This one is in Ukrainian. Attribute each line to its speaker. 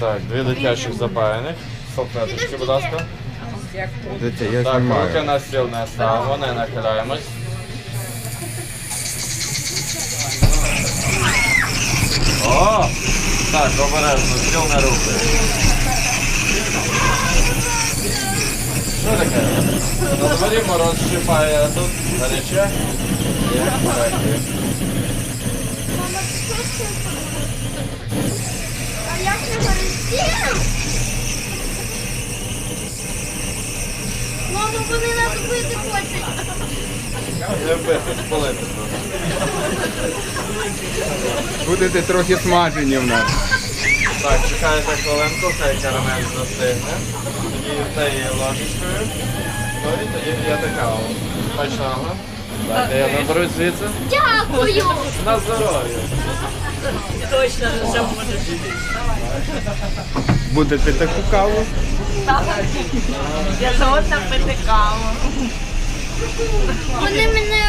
Speaker 1: Так, 2 дитячих запаяних. Салфеточки, будь ласка.
Speaker 2: Дивіться, я
Speaker 1: Так, руки
Speaker 2: знімаю.
Speaker 1: на стіл не ставимо, не нахиляємось. О! Так, обережно, стіл не рухає. Що таке? На дворі мороз щипає, а тут гаряче. Є, так, є.
Speaker 3: А як не горить? Мамо, вони нас бити хочуть.
Speaker 1: Не вбити, спалити просто.
Speaker 2: Будете трохи смажені в нас.
Speaker 1: Так, чекайте хвилинку, хай карамель застигне. Тоді цією ложечкою. Ну і тоді п'єте каву. Смачного. Дайте я наберу звідси.
Speaker 3: Дякую.
Speaker 1: На здоров'я.
Speaker 4: Точно вже можеш.
Speaker 2: Будете таку каву?
Speaker 4: Я згодна пити каву.
Speaker 3: Вони мене